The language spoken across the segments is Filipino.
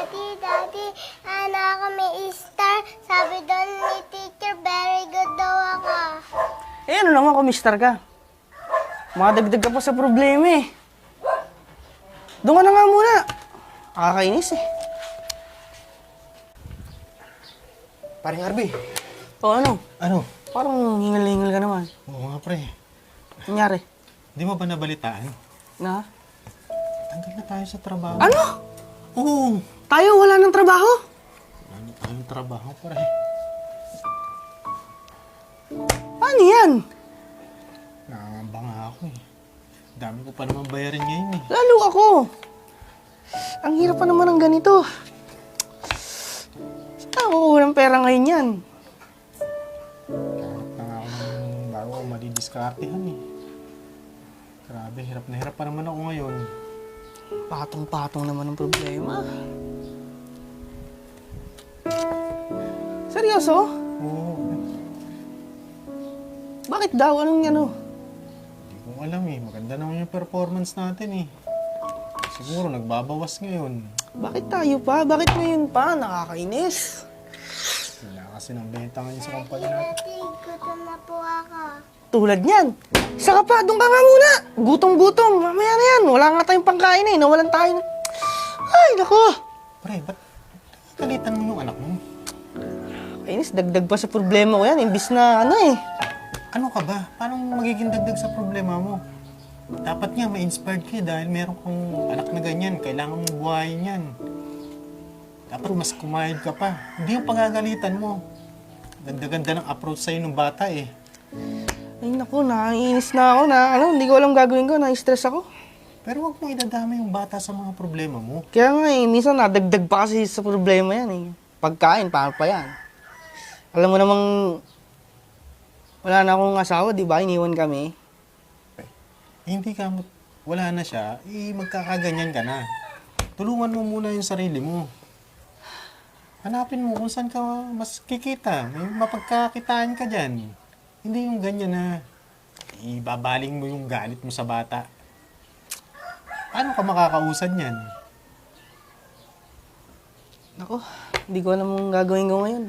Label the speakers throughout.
Speaker 1: Daddy, ano ako may star. Sabi doon ni teacher, very good daw ako.
Speaker 2: Eh, ano naman kung mister ka? Madagdag ka pa sa problema eh. Doon ka na nga muna. Nakakainis eh.
Speaker 3: Paring Arby.
Speaker 2: O ano?
Speaker 3: Ano?
Speaker 2: Parang hingal-hingal ka naman.
Speaker 3: Oo nga, pre.
Speaker 2: Nangyari?
Speaker 3: Di mo ba nabalitaan?
Speaker 2: Na?
Speaker 3: Tanggal na tayo sa trabaho.
Speaker 2: Ano?
Speaker 3: Oo.
Speaker 2: Tayo wala ng trabaho?
Speaker 3: Wala na tayong trabaho, pre.
Speaker 2: Paano yan?
Speaker 3: Nangangamba nga ako eh. Dami ko pa naman bayarin ngayon eh.
Speaker 2: Lalo ako. Ang hirap pa naman ng ganito. Saan ako ng pera ngayon yan?
Speaker 3: Kahit na nga ako ng bago ako madidiskartehan eh. Grabe, hirap na hirap pa naman ako ngayon.
Speaker 2: Patong-patong naman ang problema. Seryoso?
Speaker 3: Oo.
Speaker 2: Bakit daw? Anong ano?
Speaker 3: Hindi ko alam eh. Maganda naman yung performance natin eh. Siguro nagbabawas ngayon.
Speaker 2: Bakit tayo pa? Bakit ngayon pa? Nakakainis.
Speaker 3: Wala kasi ng benta ngayon sa kumpanya natin.
Speaker 1: Daddy, gutom na po ako.
Speaker 2: Tulad niyan. Isa ka pa, doon ka nga muna. Gutom-gutom. Mamaya na yan. Wala nga tayong pangkain eh. Nawalan tayo. Ay, nako.
Speaker 3: Pre, ba't kalitan mo yung anak mo?
Speaker 2: Kainis, dagdag pa sa problema ko yan. Imbis na ano eh.
Speaker 3: Ano ka ba? Paano magiging dagdag sa problema mo? Dapat nga ma-inspired ka dahil meron kang anak na ganyan. Kailangan mong buhayin yan. Dapat mas kumayod ka pa. Hindi yung pagagalitan mo. Ganda-ganda ng approach sa'yo ng bata eh.
Speaker 2: Ay, naku, nakainis na ako na. Ano, hindi ko alam gagawin ko. Na-stress ako.
Speaker 3: Pero wag mong idadama yung bata sa mga problema mo.
Speaker 2: Kaya nga eh, minsan nadagdag pa kasi sa problema yan eh. Pagkain, paano pa yan? Alam mo namang wala na akong asawa, di ba? Iniwan kami.
Speaker 3: Hindi ka, wala na siya, magkakaganyan ka na. Tulungan mo muna yung sarili mo. Hanapin mo kung saan ka mas kikita. May mapagkakitaan ka dyan. Hindi yung ganyan na ibabaling mo yung galit mo sa bata. Paano ka makakausad yan?
Speaker 2: Nako, hindi ko alam kung gagawin ko ngayon.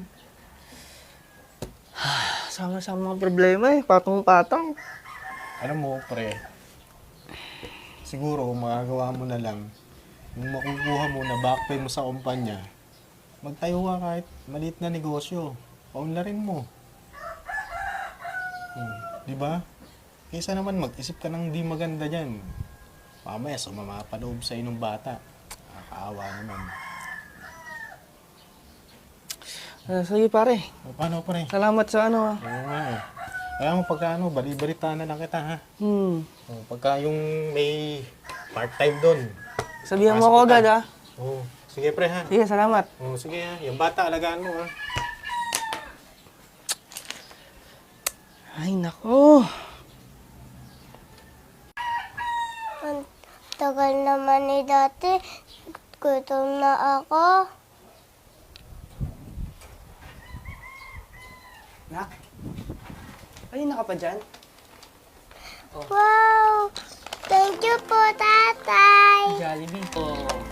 Speaker 2: Sama-sama mga problema eh. Patong-patong.
Speaker 3: Alam mo, pre, siguro magagawa mo na lang, kung makukuha mo na back pay mo sa kumpanya, magtayo ka kahit maliit na negosyo. Paunlarin mo. Di ba? Kaysa naman mag-isip ka ng di maganda dyan. Mamaya sumama pa loob sa inong bata. Nakakaawa naman.
Speaker 2: Sige pare,
Speaker 3: O, paano, pre?
Speaker 2: salamat sa ano ah.
Speaker 3: Oo nga eh. Kaya mo pagka bali-balita na lang kita ha. O, pagka yung may part-time doon.
Speaker 2: Sabihan mo
Speaker 3: Pasok
Speaker 2: ako
Speaker 3: ka.
Speaker 2: agad ah.
Speaker 3: Oo. Sige, pre ha.
Speaker 2: Sige, salamat.
Speaker 3: Oo, sige ha. Yung bata, alagaan mo ha.
Speaker 2: Ay, nako.
Speaker 1: Ang tagal naman ni Daddy. Gutom na ako.
Speaker 2: Nak? Ayun na ka pa dyan?
Speaker 1: Wow! Thank you po, Tatay.
Speaker 2: Jollibee. Oh.